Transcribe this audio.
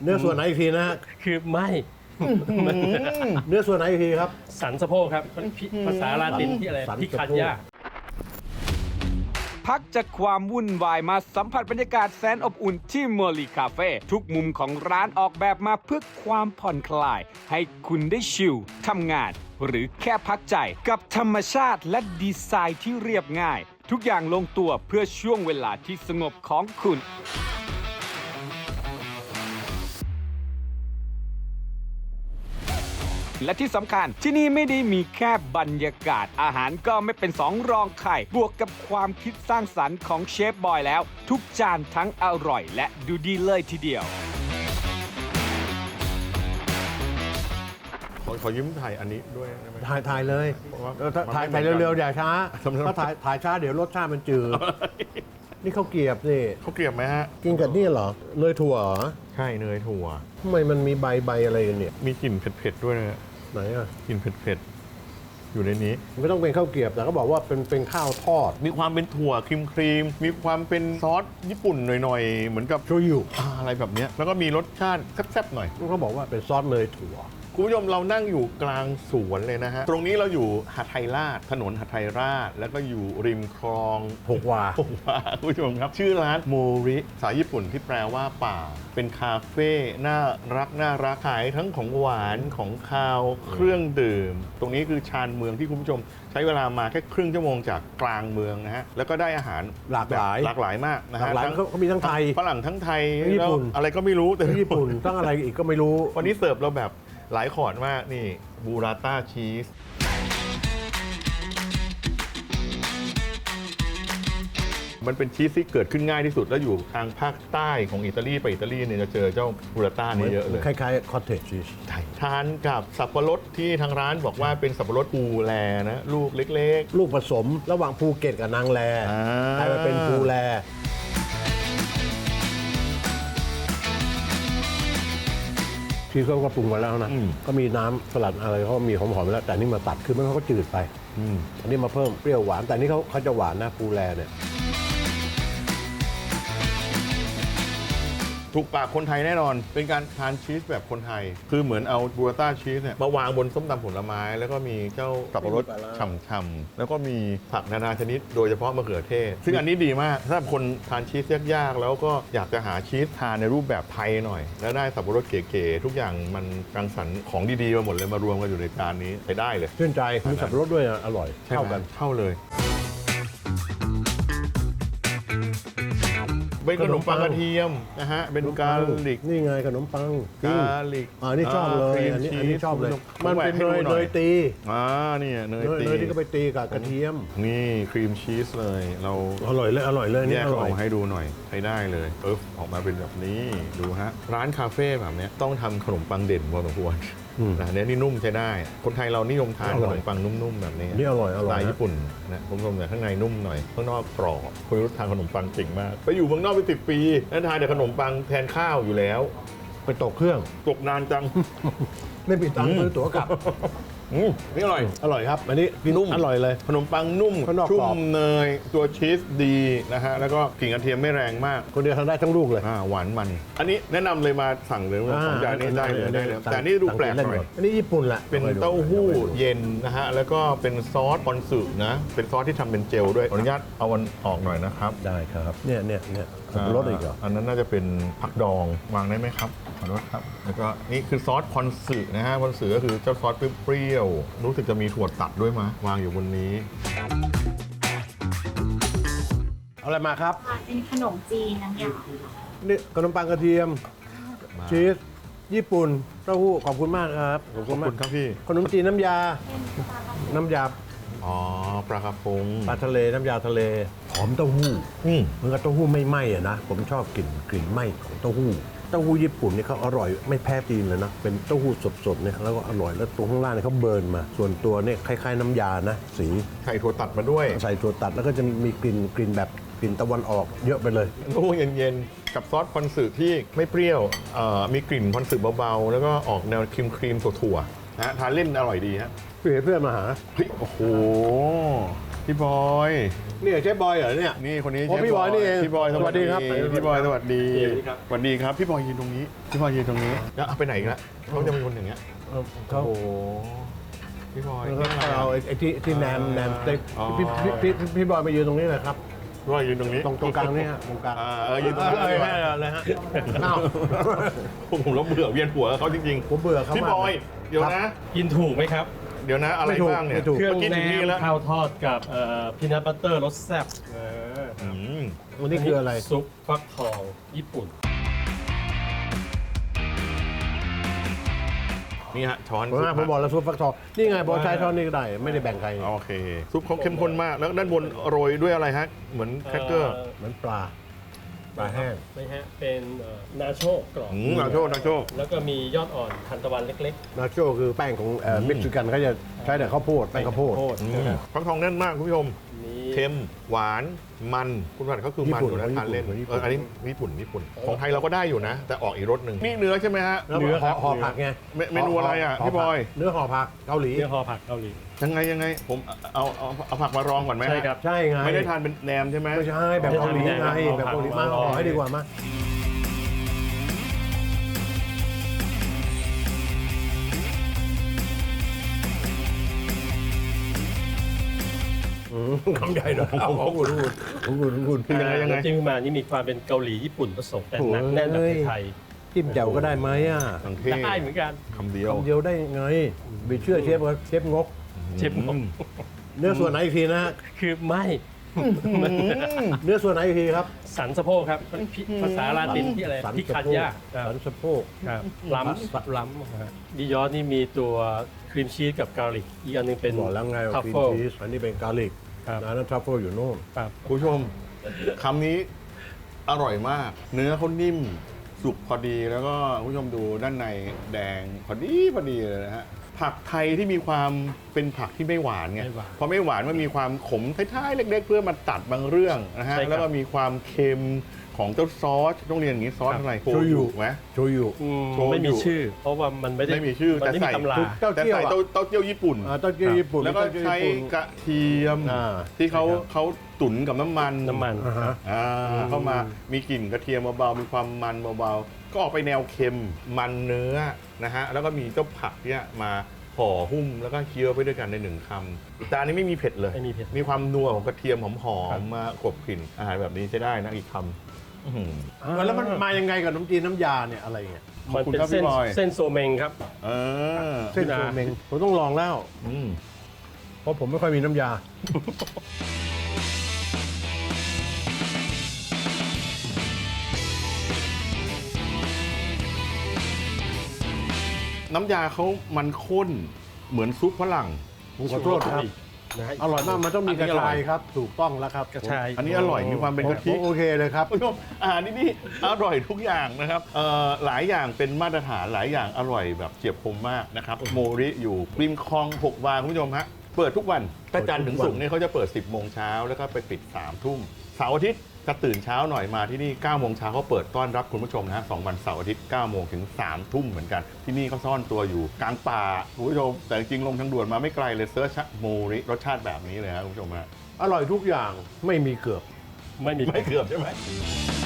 เนื้อส่วนไหนอีกทีนะคือไม่เนื้อส่วนไหนอีกทีครับสันสะโพกครับภาษาลาตินที่อะไรสันพิสะคัโพกญาพักจากความวุ่นวายมาสัมผัสบรรยากาศแสนอบอุ่นที่เมอร์ลีคาเฟ่ทุกมุมของร้านออกแบบมาเพื่อความผ่อนคลาย ให้คุณได้ชิลทำงาน หรือแค่พักใจกับธรรมชาติและดีไซน์ที่เรียบง่าย ทุกอย่างลงตัวเพื่อช่วงเวลาที่สงบของคุณ และที่สำคัญที่นี่ไม่ได้มีแค่บรรยากาศอาหารก็ไม่เป็นสองรองใครบวกกับความคิดสร้างสรรค์ของเชฟบอยแล้ว ทุกจานทั้งอร่อยและดูดีเลยทีเดียวขอยิ้มถ่ายอันนี้ด้วยได้ไหมถ่ายเลยเพราะว่าถ่ายมันไม่เร็วเหมือนกันๆอย่าช้าสำหรับถ้าถ่ายช้าเดี๋ยวรสชาติมันจืด นี่ข้าวเกรียบนี่เขาเกลียบไหมฮะกินกับนี่เหรอเนยถั่วเหรอใช่เนยถั่วทำไมมันมีใบอะไรกันเนี่ยมีกลิ่นเผ็ดๆด้วยนะฮะไหนอ่ะกลิ่นเผ็ดๆอยู่ในนี้ไม่ต้องเป็นข้าวเกรียบแต่ก็บอกว่าเป็นข้าวทอดมีความเป็นถั่วครีมมีความเป็นซอสญี่ปุ่นหน่อยๆ เหมือนกับโชยุอะไรแบบเนี้ยแล้วก็มีรสชาติแซ่บๆหน่อยเขาบอกว่าเป็นซอสเนยถั่วคุณผู้ชมเรานั่งอยู่กลางสวนเลยนะฮะ ตรงนี้เราอยู่หาดไทยราชถนนหาดไทยราช แล้วก็อยู่ริมคลองหกวาผมว่าคุณผู้ชมครับ ชื่อร้านโมริภาษาญี่ปุ่นที่แปลว่าป่า เป็นคาเฟ่น่ารักขายทั้งของหวานของคาวเครื่องดื่ม ตรงนี้คือชานเมืองที่คุณผู้ชม ใช้เวลามาแค่ครึ่งชั่วโมงจากกลางเมืองนะฮะแล้วก็ได้อาหารหลากหลายหลากหลายมากนะหลาฮะกหลายเขามีทั้งไทยฝรั่งทั้งไทยทั้งญี่ปุ่นแล้วอะไรก็ไม่รู้แต่ญี่ปุ่นตั้งอะไรอีกก็ไม่รู้วันนี้เสิร์ฟเราแบบหลายขอดมากนี่บูราต้าชีสมันเป็นชีสที่เกิดขึ้นง่ายที่สุด แล้วอยู่ทางภาคใต้ของอิตาลีไปอิตาลีเนี่ยจะเจอเจ้าบูราต้านี่เยอะเลยคล้ายๆคอตเทจชีสทานกับสับปะรดที่ทางร้านบอกว่าเป็นสับปะรดภูแลนะลูกเล็กลูกผสมระหว่างภูเก็ตกับนางแลอ่ากลายมาเป็นภูแลที่เขาก็ปรุงมาแล้วนะ ก็มีน้ำสลัดอะไรเขามีหอมๆไปแล้ว แต่นี่มาตัดคือมันเขาก็จืดไป อันนี้มาเพิ่มเปรี้ยวหวาน แต่นี่เขาจะหวานนะภูแลเนี่ยถูกปากคนไทยแน่นอน เป็นการทานชีสแบบคนไทย คือเหมือนเอาบูราต้าชีสเนี่ยมาวางบนส้มตำผลไม้ แล้วก็มีเจ้าสับปะรดไม่มีปลาร้าฉ่ำๆแล้วก็มีผักนานาชนิด โดยเฉพาะมะเขือเทศ ซึ่งอันนี้ดีมากถ้าคนทานชีสยากๆแล้วก็อยากจะหาชีสทานในรูปแบบไทยหน่อย แล้วได้สับปะรดเก๋ๆทุกอย่างมันรังสรรค์ของดีๆมาหมดเลยมารวมกันอยู่ในจานนี้ใช้ได้เลยชื่นใจมีสับปะรดด้วยนะอร่อยใช่ไหมเข้ากันเข้าเลย เป็นขนมปังกระเทียมนะฮะเป็นกาลิกนี่ไงขนมปังกาลิกนี่ชอบเลยครีมอันนี้ชีสอันนี้ชอบเลยผมันแหวเป็กนให้เนดูยหเนอยยตีเนี่ยเนยตีเนยที่ก็ไปตีกับกระเทียมนี่ครีมชีสเลย เราอร่อยเลยแยนี่กอเขาร่อออย กมาให้ดูหน่อยใช้ได้เลยออกมาเป็นแบบนี้ดูฮะร้านคาเฟ่แบบเนี้ยต้องทำขนมปังเด่นพอสมควรนะเนี่ยนี่นุ่มใช้ได้ คนไทยเรานิยมทานขนมปังนุ่มๆแบบนี้นี่อร่อยสไตล์ญี่ปุ่นนะผมชมแต่ข้างในนุ่มหน่อยข้างนอกกรอบคุณรู้ทานขนมปังเก่งมากไปอยู่เมืองนอกไป10 ปีแล้วทานแต่ขนมปังแทนข้าวอยู่แล้วไปตกเครื่องตกนานจังไม่มีตังค์ซื้อตั๋วกลับนี่อร่อยอร่อยครับ อันนี้กินนุ่มอร่อยเลยขนมปังนุ่มข้างนอกชุ่กรอบมเนยตัวชีสดีนะฮะแล้วก็กลิ่นกระเทียมไม่แรงมากคนเดียวทานได้ทั้งลูกเลยหวานมัน อันนี้แนะนำเลยมาสั่งเลยว่าของจานนี้ได้เลยแต่อันนี่ดูแปลกหน่อยอันนี้ญี่ปุ่นแหละเป็นเต้าหู้เย็นนะฮะแล้วก็เป็นซอสคอนสึนะเป็นซอสที่ทำเป็นเจลด้วยขออนุญาตเอามันออกหน่อยนะครับได้ครับเนี่ยรสอีกเหรออันนั้นน่าจะเป็นผักดองวางได้ไหมครับขอโทษครับแล้วก็นี่คือซอสคอนสึนะฮะคอนสึก็คือเจ้าซอสเปรี้ยวๆรู้สึกจะมีถั่วตัดด้วยมั้ยวางอยู่บนนี้เอาอะไรมาครับเป็นขนมจีนน้ำยานี่ขนมปังกระเทียม ชีสญี่ปุ่นเต้าหู้ขอบคุณมากครับขอบคุณครับพี่ขนมจีนน้ำยา น้ำยาอ๋อปลากระพงปลาทะเลน้ำยาทะเลหอมเต้าหู้อืมเหมือนกับเต้าหู้ไม่ไหม้อะนะผมชอบกลิ่นไหม้ของเต้าหู้ญี่ปุ่นนี่เขาอร่อยไม่แพ้จีนเลยนะเป็นเต้าหู้สดๆเนี่ยแล้วก็อร่อยแล้วตัวข้างล่างเนี่ยเขาเบิร์นมา ส่วนตัวเนี่ยคล้ายๆน้ำยานะสีใส่ถั่วตัดมาด้วยใส่ถั่วตัดแล้วก็จะมีกลิ่นแบบกลิ่นตะวันออกเยอะไปเลยโอ้เย็นๆ กับซอสคอนสึที่ไม่เปรี้ยวมีกลิ่นคอนสึเบาๆ แล้วก็ออกแนวครีมถั่วๆนะทานเล่นอร่อยดีฮะเพื่อนมาหาเฮ้ยโอ้โหพี่บอยนี่เชฟบอยเหรอเนี่ยนี่คนนี้โอ้พี่บอยนี่เองพี่บอยสวัสดีสวัสดีครับพี่บอยสวัสดีสวัสดีครับสวัสดีครับพี่บอยยืนตรงนี้พี่บอยยืนตรงนี้แล้วเอาไปไหนอีกละเขาจะเป็นคนอย่างเงี้ยเขาโอ้โหพี่บอยเอาไอ้ที่แนมเต็กอ๋อพี่บอยมายืนตรงนี้เลยครับพี่บอยยืนตรงนี้ตรงกลางนี่ฮะตรงกลางยืนตรงนี้เลยฮะอ้าวผมแล้วเบื่อเวียนหัวเขาจริงผมเบื่อเขาๆพี่มากบอยเดี๋ยวนะกินถูกไหมครับเดี๋ยวนะอะไรไม่ถูกบ้างเนี่ยไม่ถูกเครื่องมื่กี้แนถึนี่มแล้วข้าวทอดกับพีนัทบัตเตอร์รสแซ่บอืมวันนี้คืออะไรซุปฟักทองญี่ปุ่นนี่ฮะช้อนผมบอกแล้วซุปฟักทองนี่ไงบอกใช้ช้อนนี่ก็ได้ไม่ได้แบ่งใครโอเคซุปเขาเข้มข้นมากแล้วด้านบนโรยด้วยอะไรฮะเหมือนแครกเกอร์เหมือนปลาแห้งไม่ฮะเป็นนาโชกรอบนาโชนาโชแล้วก็มียอดอ่อนทานตะวันเล็กนาโชคือแป้งของเม็กซิกันเขาจะใช้แต่ข้าวโพดๆแป้งข้าวโพดฟักทองแน่นมากคุณผู้ชมมีเค็มหวานมันคุณผัดเขาคือมันอยู่นะทานเล่นอันนี้ญี่ปุ่นของไทยเราก็ได้อยู่นะ แต่ออกอีกรสหนึ่งนี่เนื้อใช่ไหมฮะแล้วห่อผักไงเมนูอะไรอ่ะพี่บอยเนื้อห่อผักเกาหลีเนื้อห่อผักเกาหลียังไงผมเอาผักมารองก่อนไหมฮะใช่ครับใช่ไงไม่ได้ทานเป็นแหนมใช่ไหมไม่ใช่แบบเกาหลีไงแบบเกาหลีมาห่อให้ดีกว่ามาคำใหญ่เลยเอาของคุณยังไงจิ้มมานี่มีความเป็นเกาหลีญี่ปุ่นผสมแต่หนักแน่นแบบไทยจิ้มแจ่วก็ได้ไหมอ่ะสังเทๆได้เหมือนกันคำเดียวคำเดียวได้ไงไปเชื่อเชฟว่าเชฟงกเชฟงกเนื้อส่วนไหนอีกทีนะฮะคือไม่เนื้อส่วนไหนอีกทีครับสันสะโพกครับภาษาลาตินที่อะไรสันพิสะคันโพกยาสันสะโพกครับล้ำดิยอสนี่มีตัวครีมชีสกับกาลิกอีกอันหนึงเป็นบอกแล้วไงทัว่าฟครีมเฟิลชีสอันนี้เป็นกาลิกครับนะนั่นทัฟเฟิลอยู่โน่นครับคุณผู้ชมคำนี้อร่อยมาก เนื้อเขานิ่มสุกพอดีแล้วก็คุณผู้ชมดูด้านในแดงพอดีเลยนะฮะผักไทยที่มีความเป็นผักที่ไม่หวานไงไม่หวานพอไม่หวานมันมีความขมท้ายๆเล็ก ๆ เพื่อมาตัดบางเรื่องนะฮะใช่ครับแล้วก็มีความเค็มของเจ้าซอสต้องเรียนอย่างนี้ซอสอะไรโชยุไหมโชยุโชยุไม่มีชื่อ เพราะว่ามันไม่ได้ไม่มีชื่อมันไม่แต่มีใส่ตำราเต้าแต่เจี้ยวใส่อะเต้าเจี้ยวญี่ปุ่นเต้าเจี้ยวญี่ปุ่นแล้วก็เต้าเจี้ยวใช้ญี่ปุ่นกระเทียมอ่าที่เขาตุ๋นกับน้ำมันอ่าฮะเข้ามามีกลิ่นกระเทียมเบาๆมีความมันเบาๆก็ออกไปแนวเค็มมันเนื้อนะฮะแล้วก็มีเจ้าผักเนี่ยมาห่อหุ้มแล้วก็เคี้ยวไปด้วยกันในหนึ่งคำแต่อันนี้ไม่มีเผ็ดเลยไม่มีเผ็ดมีความนัวของกระเทียมหอครับมๆมากลบกลิ่นอาหารแบบนี้ใช้ได้นะอีกคำอื้อหือแล้วมันมายังไงกับน้ำจีนน้ำยาเนี่ยอะไรเงี้ยขอบมันคุณเป็นครับเส้นพี่บอยเส้นโซเมงครับเออเส้นโซเมงผมต้องลองแล้วอืมเพราะผมไม่ค่อยมีน้ำยาน้ำยาเขามันข้นเหมือนซุปฝรั่งผมขอโทษครับนะฮะอร่อยมากมันต้องมีกระอันนี้อร่ชาอยยครับ ถูกต้องแล้วครับกระชายอันนี้อร่อยมีความเป็นกะทิผมโอเคเลยครับคุณผู้ชมอาหารที่นี่อร่อยทุกอย่างนะครับหลายอย่างเป็นมาตรฐานหลายอย่างอร่อยแบบเฉียบคมมากนะครับโมริอยู่ริมคลอง6 วาคุณผู้ชมฮะเปิดทุกวันถ้าจันทร์ถึงศุกร์เนี่ยเขาจะเปิด 10 โมงเช้าแล้วก็ไปปิด 3 ทุ่มเสาร์อาทิตย์จะตื่นเช้าหน่อยมาที่นี่ 9 โมงเช้าเขาเปิดต้อนรับคุณผู้ชมนะฮะ2 วันเสาร์อาทิตย์ 9 โมงถึง 3 ทุ่มเหมือนกัน ที่นี่เขาซ่อนตัวอยู่กลางป่าคุณผู้ชมแต่จริงๆลงทางด่วนมาไม่ไกลเลยเซิร์ชโมริรสชาติแบบนี้เลยครับคุณผู้ชมฮะอร่อยทุกอย่างไม่มีเกือบไม่มีไม่เกือบใช่ไหม